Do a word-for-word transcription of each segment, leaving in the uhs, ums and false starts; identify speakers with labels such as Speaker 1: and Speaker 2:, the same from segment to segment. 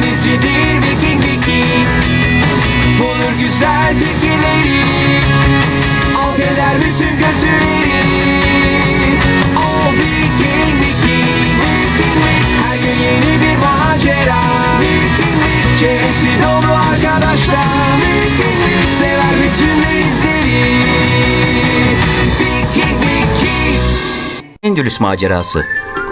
Speaker 1: denizcidir Viking Viking. Bulur güzel fikirleri, alt eder bütün kötüleri. O Viking Viking. Her gün yeni bir macera. Çevresi dolu arkadaşlar. Sever bütün denizleri. Viking Viking.
Speaker 2: Endülüs macerası.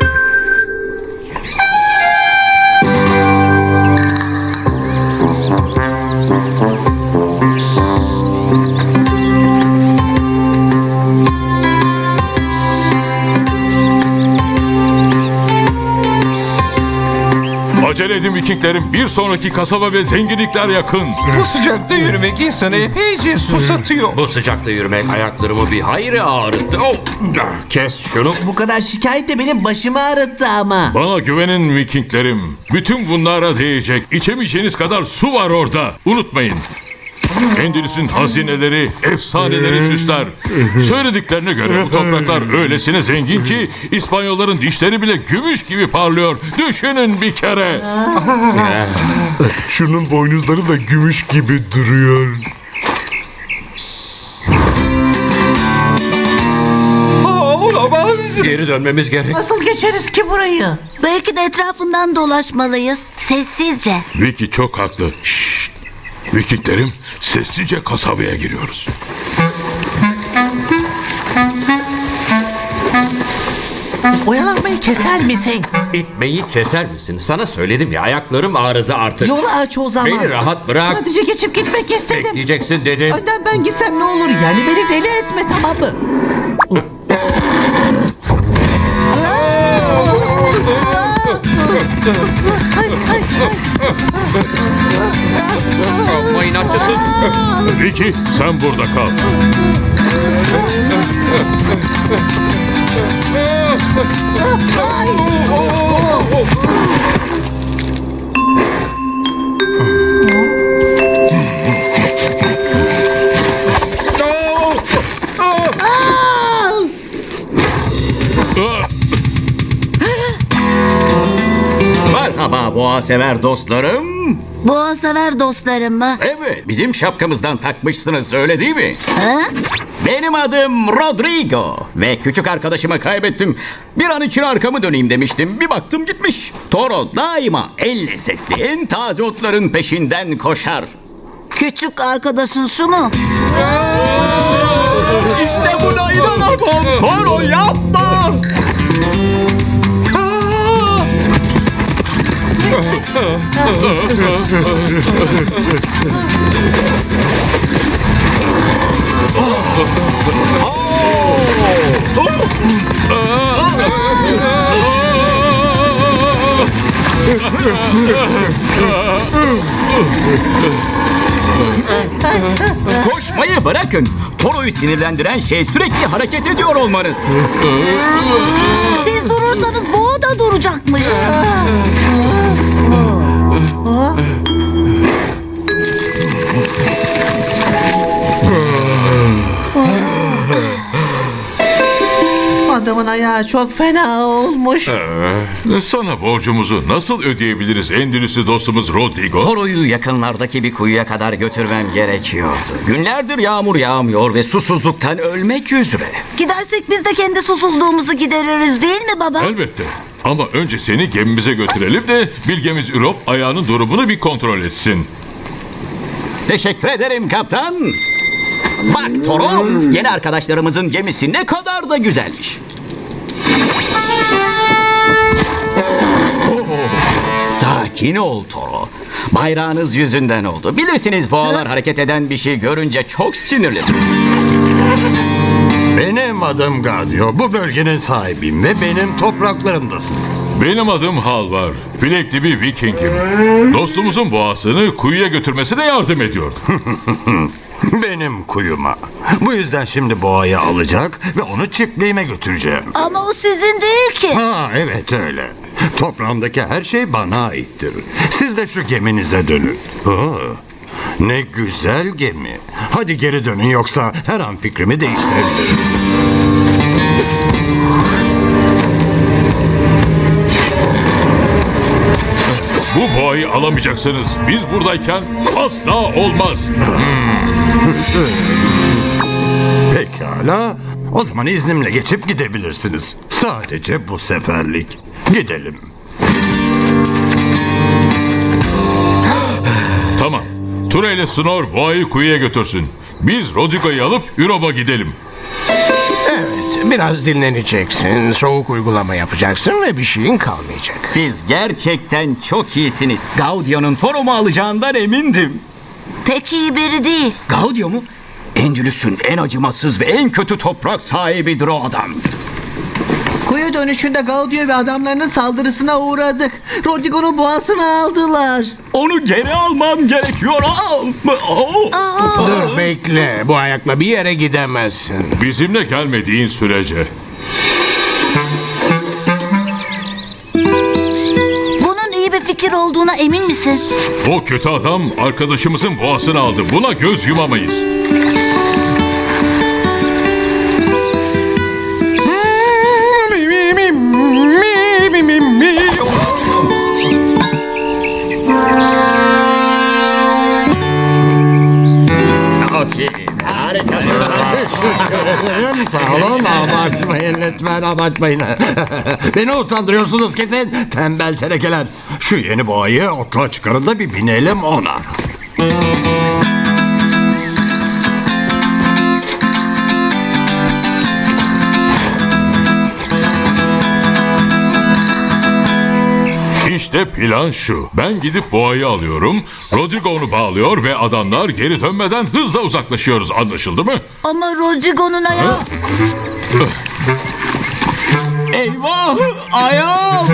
Speaker 3: Acele edin Vikinglerim. Bir sonraki kasaba ve zenginlikler yakın.
Speaker 4: Bu sıcakta yürümek insanı epeyce susatıyor.
Speaker 5: Bu sıcakta yürümek ayaklarımı bir hayli ağrıttı. Oh, kes şunu.
Speaker 6: Bu kadar şikayet de benim başımı ağrıttı ama.
Speaker 3: Bana güvenin Vikinglerim. Bütün bunlara değecek içemeyeceğiniz kadar su var orada. Unutmayın. Endülüs'ün hazineleri, efsaneleri süsler. Söylediklerine göre bu topraklar öylesine zengin ki İspanyolların dişleri bile gümüş gibi parlıyor. Düşünün bir kere.
Speaker 7: Şunun boynuzları da gümüş gibi duruyor.
Speaker 4: Aa, olamaz.
Speaker 5: Geri dönmemiz gerek.
Speaker 6: Nasıl geçeriz ki burayı?
Speaker 8: Belki de etrafından dolaşmalıyız. Sessizce.
Speaker 3: Vicky çok haklı. Şşt. Vikinglerim, sessizce kasabaya giriyoruz.
Speaker 6: Oyalanmayı keser misin?
Speaker 5: İtmeyi keser misin? Sana söyledim ya, ayaklarım ağrıdı artık.
Speaker 6: Yolu aç o zaman.
Speaker 5: Beni rahat bırak.
Speaker 6: Sadece geçip gitmek istedim.
Speaker 5: Bekleyeceksin dedim.
Speaker 6: Önden ben gitsem ne olur yani, beni deli etme, tamam mı?
Speaker 5: Amma inatçısın.
Speaker 3: Vicky, sen burada kal.
Speaker 5: Merhaba boğa sever dostlarım.
Speaker 8: Boğa sever dostlarım mı?
Speaker 5: Evet, bizim şapkamızdan takmışsınız, öyle değil mi?
Speaker 8: Ha?
Speaker 5: Benim adım Rodrigo ve küçük arkadaşımı kaybettim. Bir an için arkamı döneyim demiştim. Bir baktım gitmiş. Toro daima en lezzetli, en taze otların peşinden koşar.
Speaker 8: Küçük arkadaşın şu mu?
Speaker 5: İşte buna inanamam. Toro yapma. Koşmayı bırakın. Toro'yu sinirlendiren şey sürekli hareket ediyor olmanız.
Speaker 8: Siz durursanız boğa da duracakmış.
Speaker 6: Adamın ayağı çok fena olmuş.
Speaker 3: Ee, sana borcumuzu nasıl ödeyebiliriz Endülüs'lü dostumuz Rodrigo?
Speaker 5: Toro'yu yakınlardaki bir kuyuya kadar götürmem gerekiyordu. Günlerdir yağmur yağmıyor ve susuzluktan ölmek üzere.
Speaker 8: Gidersek biz de kendi susuzluğumuzu gideririz değil mi baba?
Speaker 3: Elbette. Ama önce seni gemimize götürelim de bilgemiz Ürop ayağının durumunu bir kontrol etsin.
Speaker 5: Teşekkür ederim kaptan. Bak Toro, yeni arkadaşlarımızın gemisi ne kadar da güzelmiş. Sakin ol Toro. Bayrağınız yüzünden oldu. Bilirsiniz boğalar hareket eden bir şey görünce çok sinirli.
Speaker 7: Benim adım Gadio. Bu bölgenin sahibiyim ve benim topraklarımdasınız.
Speaker 3: Benim adım Halvar. Bilekli bir Viking'im. Dostumuzun boğasını kuyuya götürmesine yardım ediyordum.
Speaker 7: Benim kuyuma. Bu yüzden şimdi boğayı alacak ve onu çiftliğime götüreceğim.
Speaker 8: Ama o sizin değil ki.
Speaker 7: Ha evet öyle. Toprağımdaki her şey bana aittir. Siz de şu geminize dönün. Oo, ne güzel gemi. Hadi geri dönün yoksa her an fikrimi değiştirebilirim.
Speaker 3: Bu boğayı boğayı alamayacaksınız. Biz buradayken asla olmaz.
Speaker 7: Pekala. O zaman iznimle geçip gidebilirsiniz. Sadece bu seferlik. Gidelim.
Speaker 3: Tamam. Tura ile Snor boğayı kuyuya götürsün. Biz Rodrigo'yu alıp Ürob'a gidelim.
Speaker 9: Evet, biraz dinleneceksin, soğuk uygulama yapacaksın ve bir şeyin kalmayacak.
Speaker 5: Siz gerçekten çok iyisiniz. Gaudio'nun Torom'u alacağından emindim.
Speaker 8: Pek iyi biri değil.
Speaker 5: Gaudio mu? Endülüs'ün en acımasız ve en kötü toprak sahibidir o adam.
Speaker 6: Kuyu dönüşünde Gaudio ve adamlarının saldırısına uğradık. Rodrigo'nun boğasını aldılar.
Speaker 5: Onu geri almam gerekiyor. Aa! Aa!
Speaker 9: Dur bekle, bu ayakla bir yere gidemezsin.
Speaker 3: Bizimle gelmediğin sürece.
Speaker 8: Bunun iyi bir fikir olduğuna emin misin?
Speaker 3: O kötü adam arkadaşımızın boğasını aldı. Buna göz yumamayız.
Speaker 5: Okey. Harikasın.
Speaker 7: Teşekkür ederim. Sağ olun. Abartmayın lütfen, abartmayın. Beni utandırıyorsunuz kesin. Tembel tenekeler. Şu yeni boğayı otla çıkarın da bir binelim ona.
Speaker 3: İşte plan şu. Ben gidip boğayı alıyorum. Rodrigo onu bağlıyor ve adamlar geri dönmeden hızla uzaklaşıyoruz. Anlaşıldı mı?
Speaker 8: Ama Rodrigo'nun ayağı...
Speaker 5: Eyvah! Ayağım!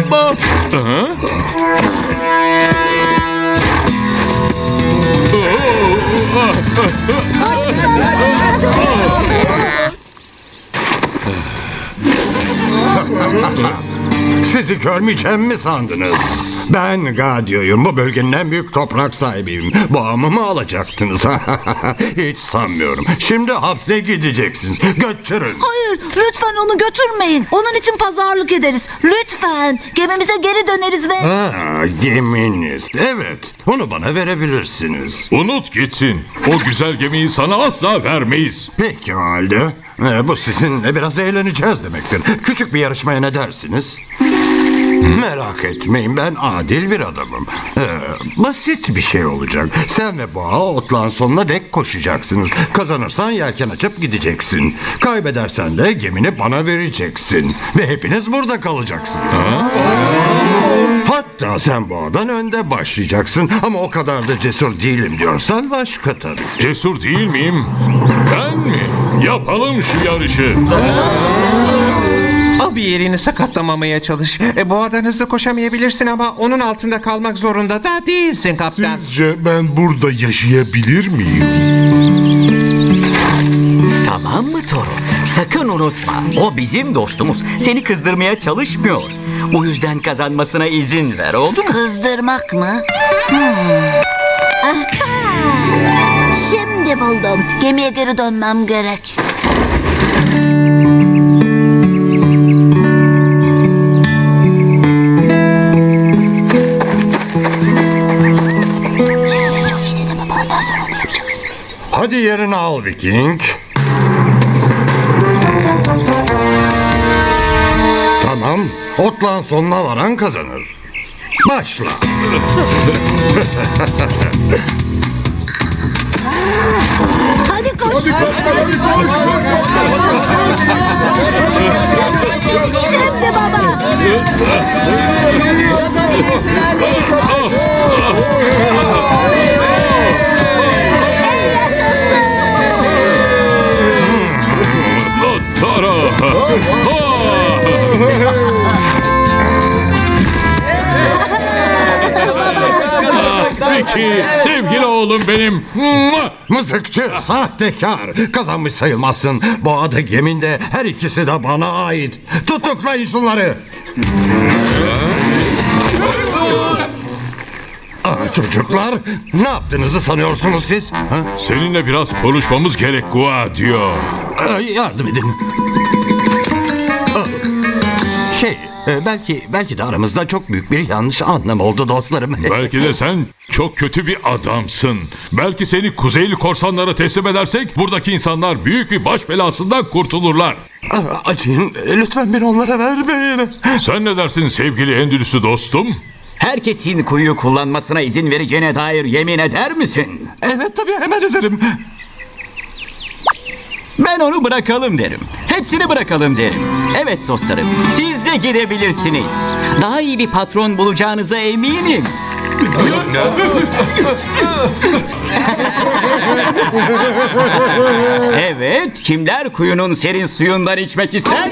Speaker 7: Sizi görmeyeceğim mi sandınız? Ben Gaudio'yum. Bu bölgenin en büyük toprak sahibiyim. Boğamı mı alacaktınız? Hiç sanmıyorum. Şimdi hapse gideceksiniz. Götürün.
Speaker 8: Hayır, lütfen onu götürmeyin. Onun için pazarlık ederiz. Lütfen. Gemimize geri döneriz ve...
Speaker 7: Ha, geminiz. Evet. Onu bana verebilirsiniz.
Speaker 3: Unut gitsin. O güzel gemiyi sana asla vermeyiz.
Speaker 7: Peki o halde. Ee, bu sizinle biraz eğleneceğiz demektir. Küçük bir yarışmaya ne dersiniz? Merak etmeyin, ben adil bir adamım. Ee, basit bir şey olacak. Sen ve boğa otlağın sonuna dek koşacaksınız. Kazanırsan yelken açıp gideceksin. Kaybedersen de gemini bana vereceksin. Ve hepiniz burada kalacaksınız. Hatta sen boğadan önde başlayacaksın. Ama o kadar da cesur değilim diyorsan başka tabii.
Speaker 3: Cesur değil miyim? Ben mi? Yapalım şu yarışı.
Speaker 4: Al bir yerini sakatlamamaya çalış. E, boğadan hızlı koşamayabilirsin ama onun altında kalmak zorunda da değilsin kaptan.
Speaker 10: Sizce ben burada yaşayabilir miyim?
Speaker 2: Tamam mı Toro? Sakın unutma. O bizim dostumuz. Seni kızdırmaya çalışmıyor. Bu yüzden kazanmasına izin ver, oldu mu?
Speaker 8: Kızdırmak mı? Hmm. Aha! Şimdi buldum. Gemiye geri dönmem gerek. Şimdi çok iyi dinleme. Ondan sonra onu yapacaksın.
Speaker 7: Hadi yerini al Viking. Tamam. Otlağın sonuna varan kazanır. Başla.
Speaker 8: Hadi koş. Şimdi baba. El yaşasın.
Speaker 3: Tara. Peki sevgili oğlum benim.
Speaker 7: Mızıkçı, sahtekar. Kazanmış sayılmazsın. Boğada geminde her ikisi de bana ait. Tutuklayın şunları. Aa, çocuklar, ne yaptığınızı sanıyorsunuz siz? Ha?
Speaker 3: Seninle biraz konuşmamız gerek Gua diyor.
Speaker 7: Ee, yardım edin. Aa, Şey, Ee, belki belki de aramızda çok büyük bir yanlış anlam oldu dostlarım.
Speaker 3: Belki de sen çok kötü bir adamsın. Belki seni Kuzeyli korsanlara teslim edersek buradaki insanlar büyük bir baş belasından kurtulurlar.
Speaker 7: Ah, Acıyın, lütfen beni onlara vermeyin.
Speaker 3: Sen ne dersin sevgili Endülüs'ü dostum?
Speaker 5: Herkesin kuyuyu kullanmasına izin vereceğine dair yemin eder misin?
Speaker 7: Evet tabii, hemen ederim.
Speaker 5: Ben onu bırakalım derim. Hepsini bırakalım derim. Evet dostlarım, siz de gidebilirsiniz. Daha iyi bir patron bulacağınıza eminim. Evet, kimler kuyunun serin suyundan içmek ister?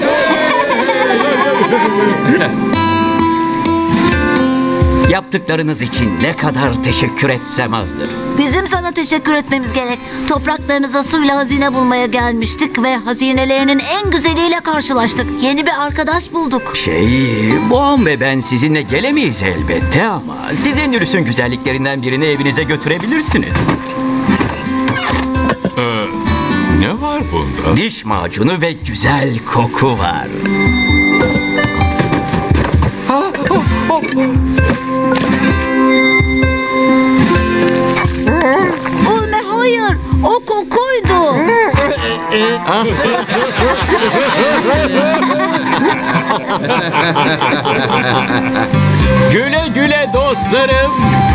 Speaker 5: Yaptıklarınız için ne kadar teşekkür etsem azdır.
Speaker 8: Bizim sana teşekkür etmemiz gerek. Topraklarınıza suyla hazine bulmaya gelmiştik ve hazinelerinin en güzeliyle karşılaştık. Yeni bir arkadaş bulduk.
Speaker 2: Şey, Boğam ve ben sizinle gelemeyiz elbette ama sizin Endülüs'ün güzelliklerinden birini evinize götürebilirsiniz.
Speaker 3: Ne var bunda?
Speaker 2: Diş macunu ve güzel koku var.
Speaker 8: Ulme hayır, o kokuydu.
Speaker 5: Güle güle dostlarım.